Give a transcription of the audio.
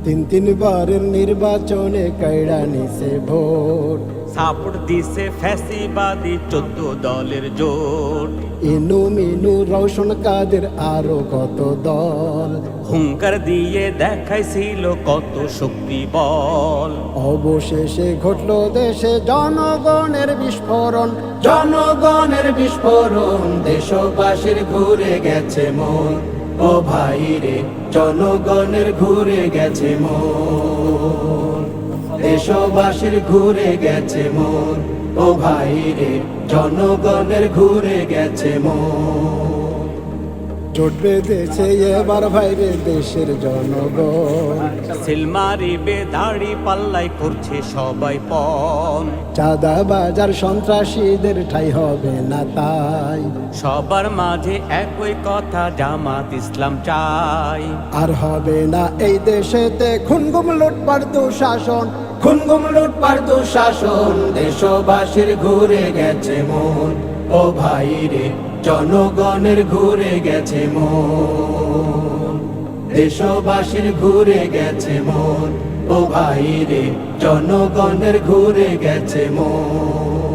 তিনবারের নির্বাচনে কাইড়া নিছে ভোট, সাপোর্ট দিছে ফ্যাসিবাদী 14 দলের জোট। ইনু মিনু রওশন কাদের আরো কত দল, হুঙ্কার দিয়ে দেখাইছিল কত শক্তি বল। অবশেষে ঘটল দেশে জনগণের বিস্ফোরণ, জনগণের বিস্ফোরণ। দেশবাসীর ঘুরে গেছে মন, ও ভাই রে জনগণের ঘুরে গেছে মন, দেশবাসীর ঘুরে গেছে মন, ও ভাই রে জনগণের ঘুরে গেছে মন। জোট বেঁধেছে এবার ভাইরে দেশের জনগণ, সিলমারিবে দাড়ি পাল্লাই করছে সবাই পণ। চাঁদা বাজার সন্ত্রাসীদের ঠাই হবে না তাই, সবার মাঝে একই কথা জামাত ইসলাম চাই। আর হবে না এই দেশেতে খুনগুম লুটপাট দুঃশাসন, খুনগুম লুটপাট দুঃশাসন। দেশবাসীর ঘুরে গেছে মন, ও ভাই রে জনগণের ঘুরে গেছে মন, দেশবাসীর ঘুরে গেছে মন, ও ভাই রে জনগণের ঘুরে গেছে মন।